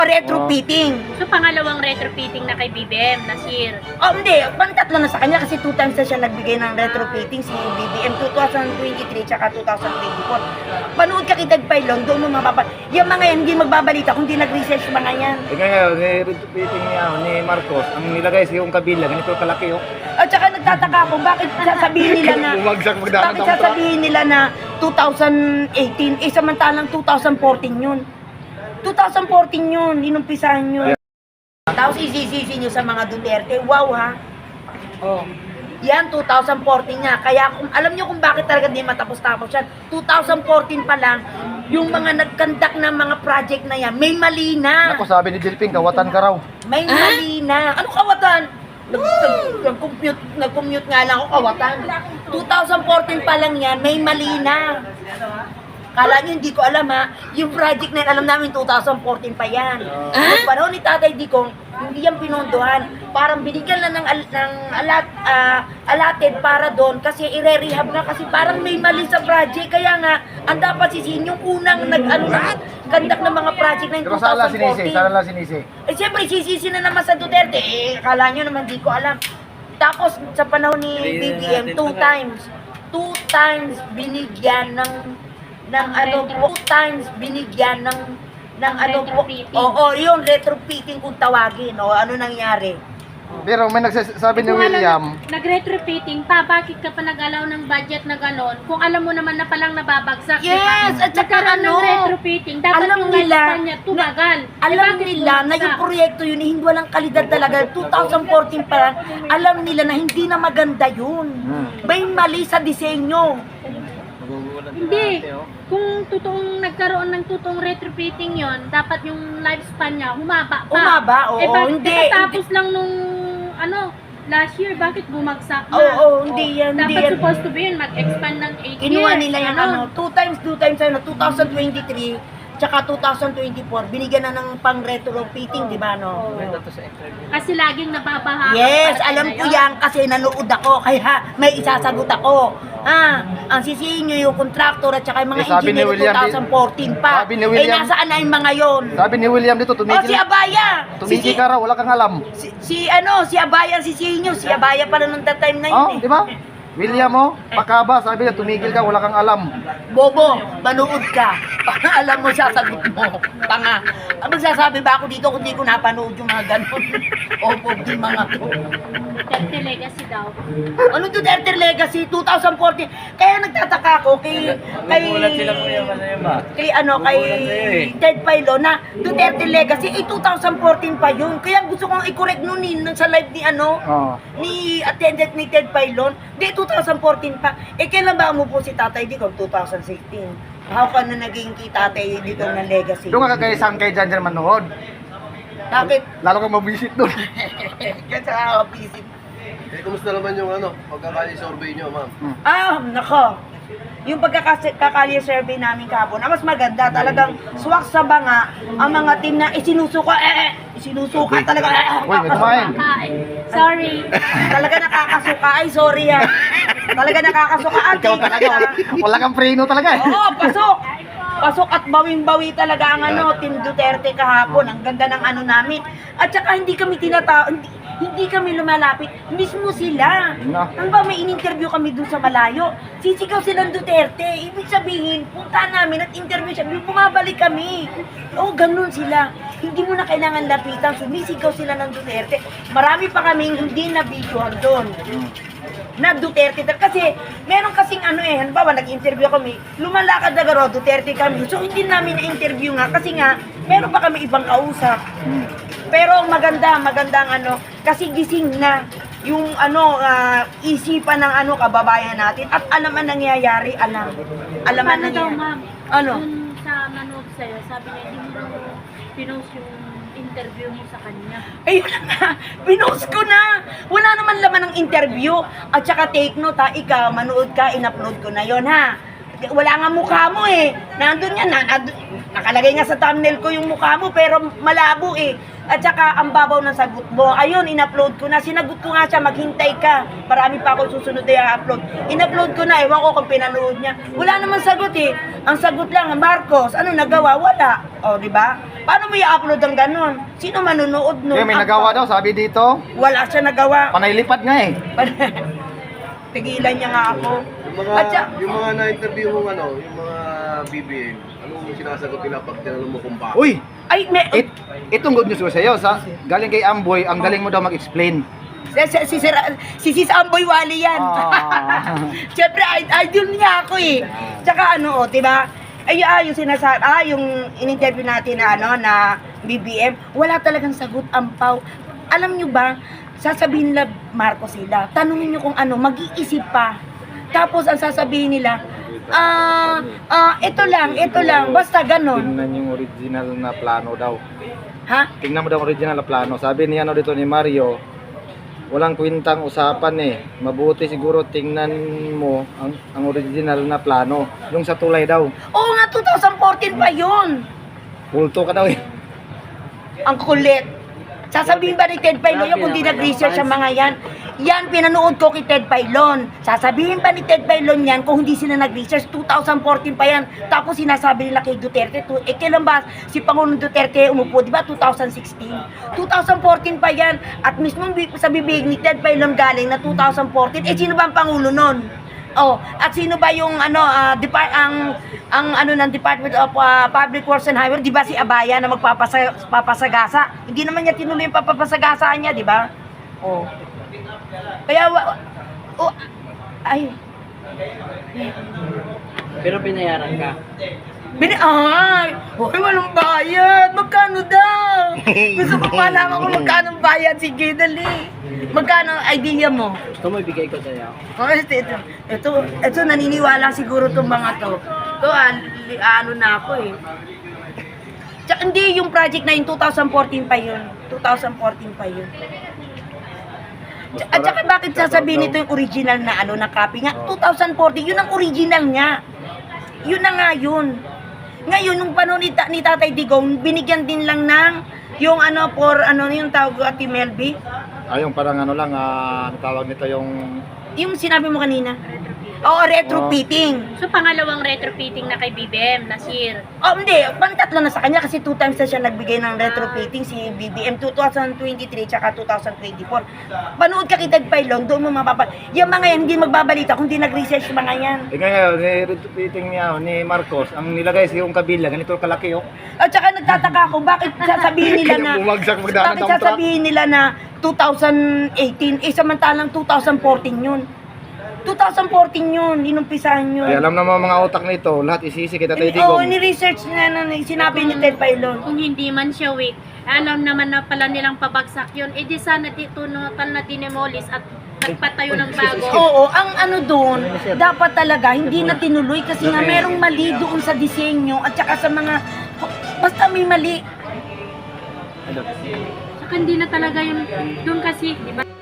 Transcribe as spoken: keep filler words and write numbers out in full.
retrofitting. So, pangalawang retrofitting na kay B B M, Nasir. Oh, hindi. Pantatlo na sa kanya kasi two times na siya nagbigay ng retrofitting si B B M twenty twenty-three tsaka twenty twenty-four. Panood ka kitag pailon, doon mo mababa. Yung mga yan, hindi magbabalita kung hindi nag-research mga yan. Eh ngayon, ni retrofitting niya ni Marcos, ang nilagay sa yung kabila, ganito kalaki oh. At saka nagtataka ako, bakit sasabihin nila na, Bumagsak magdaan bakit ng sasabihin nila na twenty eighteen, eh samantalang twenty fourteen yun. twenty fourteen yun, inumpisahan yun. Tapos isisisi nyo sa mga Duterte, wow ha. Oh. Yan, twenty fourteen niya. Kaya kung alam nyo kung bakit talaga di matapos-tapos yan, twenty fourteen pa lang, yung mga nagkandak ng mga project na yan, may mali na. Ako sabi ni Jilping, kawatan ka raw. May mali na. Ano kawatan? Nag- nag- Nag-compute, nag-commute nga lang ako kawatan. twenty fourteen pa lang yan, may mali na. Kala nyo hindi ko alam ha, yung project na yan, alam namin twenty fourteen pa yan. Yung panahon ni Tatay Digong, hindi yan pinondohan. Parang binigyan lang ng, al- ng alat, ah, allotted para doon kasi ire-rehab nga kasi parang may mali sa project. Kaya nga, ang dapat sisihin yung unang nag-ano na, kandak ng mga project na yung Pero saan lang twenty sinisi? fourteen. Saan lang sinisi? Eh siyempre, sisisi na naman sa Duterte. Eh, akala nyo naman di ko alam. Tapos, sa panahon ni B B M, two times, two times binigyan ng, ng ano po, two times binigyan ng, ng ano po, Retrofitting. oo, yung retrofitting kung tawagin, o ano nangyari. Pero may nagsasabi ni Kung William, alam, nag-retrofitting pa, bakit ka pa nag-alaw ng budget na ganon? Kung alam mo naman na palang nababagsak, di ba? Yes, at saka Nagkaroon ano, ng retrofitting, dapat alam yung nila, lifespan niya tumagal. Eh, Alam bakit nila na yung bumagsak? proyekto yun, eh, hindi walang kalidad talaga. twenty fourteen pa lang, alam nila na hindi na maganda yun. Hmm. May mali sa disenyo. Hindi. Kung totoong nagkaroon ng totoong retrofitting yon, dapat yung lifespan niya humaba pa. Umaba, oo, eh, bakit hindi. katatapos lang nung, ano, last year, bakit bumagsak na? Oo, oo, hindi yan, hindi Dapat yan. supposed to be yun, mag-expand ng eight years. Kinuha nila yung ganon. ano, two times, two times, ano, twenty twenty-three, tsaka twenty twenty-four, binigyan na ng pang retrofitting, di ba, no? Kasi laging nababaha. Yes, alam ko yan kasi nanood ako, kaya may isasagot ako. Ah, ang sisihin nyo yung contractor at saka yung mga Eh, sabi ni engineer William, twenty fourteen pa. sabi ni William- eh, nasaan na yung mga yon? sabi ni William dito, O, si tumigil, Abaya! tumigil si, ka raw, wala kang alam. si, si, ano, si Abaya ang sisihin nyo. Si Abaya pala nung that time na yun Oh, eh. di ba? William oh, pakaba, sabi niya, tumigil ka, wala kang alam. Bobo, manood ka. Para alam mo, sasagot mo. Tanga. Ang magsasabi ba ako dito kung di ko napanood yung mga ganun? Opo, di mga to. Duterte legacy daw. Ano Duterte Legacy? twenty fourteen. Kaya nagtataka ako kay... kay kay ano, kay Ted Pailo na Duterte Legacy, eh twenty fourteen pa yun. Kaya gusto kong i-correct nun eh, nun sa live ni ano, Oh. ni attendant ni Ted Pailon. Di, twenty fourteen pa. Eh, kailan ba umupo si Tatay Digong? twenty sixteen. How ka na naging kay Tatay Digong ng legacy? Doon ka kagaysan kay Jan Jan manood. Bakit? Lalo kang mabisit doon. Kasi nakakapisip. Eh, kumusta naman yung ano, pagkakali-survey nyo, ma'am? Ah, nako. Yung pagkakakali survey namin kahapon, ang mas maganda, talagang swak sa banga, ang mga team na isinusuka, eh, eh, isinusuka talaga, eh, eh, Uy, may kumain. Kain. Sorry. talaga nakakasuka, ay sorry ha. Talaga nakakasuka, at Ikaw talaga, wala, wala kang preno talaga eh. Oo, pasok! Pasok at bawing-bawi talaga ang ano, Team Duterte kahapon. Ang ganda ng ano namin. At saka hindi kami tinatao, hindi, hindi kami lumalapit. Mismo sila. No. Ang ba may in-interview kami dun sa malayo. Sisigaw silang Duterte. Ibig sabihin, punta namin at interview siya. Bumabalik kami. Oo, ganun sila. Hindi mo na kailangan lapitan. Sumisigaw sila ng Duterte. Marami pa kaming hindi na-videohan doon na Duterte. Kasi meron kasing ano eh, halimbawa nag-interview kami, lumalakad na garo, Duterte kami. So hindi namin na-interview nga kasi nga, meron pa kami ibang kausap. Pero maganda, magandang ano, kasi gising na yung ano, ah, isipan ng ano, kababayan natin at alam ang nangyayari, alam. Alam ang Paano daw, nangyayari. ma'am? Ano? Dun sa manood sa'yo, sabi niya, hindi mo pinost yung interview mo sa kanya. Ay, wala na. Pinost ko na. Wala naman laman ng interview. At saka take note ha, ikaw, manood ka, in-upload ko na yon ha. Wala nga mukha mo eh. Nandun yan, na, nandun, nakalagay nga sa thumbnail ko yung mukha mo, pero malabo eh. At saka, ang babaw ng sagot mo. Ayun, in-upload ko na. Sinagot ko nga siya, maghintay ka. Marami pa ako susunod na i-upload. In-upload ko na, ewan ko kung pinanood niya. Wala naman sagot eh. Ang sagot lang, Marcos, ano nagawa? Wala. O, di ba? Paano mo i-upload ang ganon? Sino manunood nun? Kaya may Ako. nagawa daw, sabi dito. Wala siya nagawa. Panay lipat nga eh. Tigilan niya nga ako. Yung mga, At siya- yung mga na-interview mong ano, yung mga B B M, anong sinasagot nila pag tinanong mo kung bakit? Uy! Ay, may... It, itong good news ko sa'yo, sa, galing kay Amboy, ang galing mo daw mag-explain. Si, si, si, Sir- si Sis Amboy Wally yan. Ah. Siyempre, id- idol niya ako eh. Tsaka ano, oh, diba? Ay, ah, yung sinasabi, ah, yung in-interview natin na ano, na B B M, wala talagang sagot ang pau. Alam nyo ba, sasabihin nila, Marcos sila, tanungin nyo kung ano, mag-iisip pa. Tapos, ang sasabihin nila, ah, ah, ito lang, ito lang, basta ganon. Tingnan yung original na plano daw. Ha? Tingnan mo daw ang original na plano. Sabi niya ano dito ni Mario, walang kwintang usapan eh. Mabuti siguro tingnan mo ang, ang original na plano. Yung sa tulay daw. Oo nga, twenty fourteen pa yun. Pulto ka daw eh. Ang kulit. Sasabihin ba ni Ted Pailon yun kung di nag-research sa mga yan? Yan, pinanood ko kay Ted Pailon. Sasabihin ba ni Ted Pailon yan kung hindi sila nag-research? twenty fourteen pa yan. Tapos sinasabi nila kay Duterte. tu- Eh, kailan ba si Pangulong Duterte umupo? Di ba twenty sixteen? twenty fourteen pa yan. At mismo bi- sa bibig ni Ted Pailon galing na twenty fourteen. Eh, sino ba ang Pangulo nun? Oh, at sino ba yung ano ah, depart ang ang ano ng Department of ah, Public Works and Highway, 'di ba si Abaya na magpapasa papasagasa? Hindi naman niya tinuloy yung papapasagasaan niya, 'di ba? Oh. Kaya wa- oh, ay. Pero pinayaran ka. Bini ay, hoy, walang bayad. Magkano daw? Gusto ko malaman kung magkano ang bayad. Sige, dali. Magkano ang idea mo? Gusto mo ibigay ko sa'yo? Oh, ito, ito, ito, ito, naniniwala siguro itong mga to. Ito, ah, li- ano na ako eh. Tsaka hindi yung project na yung twenty fourteen pa yun. twenty fourteen pa yun. Tsa- At saka bakit sasabihin nito yung original na ano, na copy nga? twenty fourteen, yun ang original niya. Yun na nga yun. Ngayon, nung panahon ni, ta- ni Tatay Digong, binigyan din lang ng yung ano, for ano yung tawag ko, Ate Melby. Ayong parang ano lang, ah, ano tawag nito yung... Yung sinabi mo kanina. Oo, retrofitting. So, pangalawang retrofitting na kay B B M, Nasir. Oh, hindi. Pantatlo na sa kanya kasi two times na siya nagbigay ng retrofitting si B B M twenty twenty-three tsaka twenty twenty-four. Panood ka kay Ted Pailon, doon mo mapapal. Yung mga yan, hindi magbabalita kung hindi nag-research yung mga yan. Eh ngayon, ni repeating niya ni Marcos, ang nilagay sa yung kabila, ganito kalaki oh. At saka nagtataka ako, bakit sasabihin nila na, Kaya bumagsak magdaan ng bakit dump truck. sasabihin nila na twenty eighteen, eh samantalang twenty fourteen yun. twenty fourteen yun, inumpisahan yun. Kaya alam naman mga utak nito, lahat isisi kita tayo Oo, digong. ni-research na, na, na sinabi ni Ted Pailon. Kung hindi man siya weak, alam naman na pala nilang pabagsak yun, eh di sana titunutan na dinemolis at nagpatayo ng bago. Oo, ang ano doon, dapat talaga hindi na tinuloy kasi nga merong mali doon sa disenyo at saka sa mga, basta may mali. Saka hindi na talaga yung doon kasi, di ba?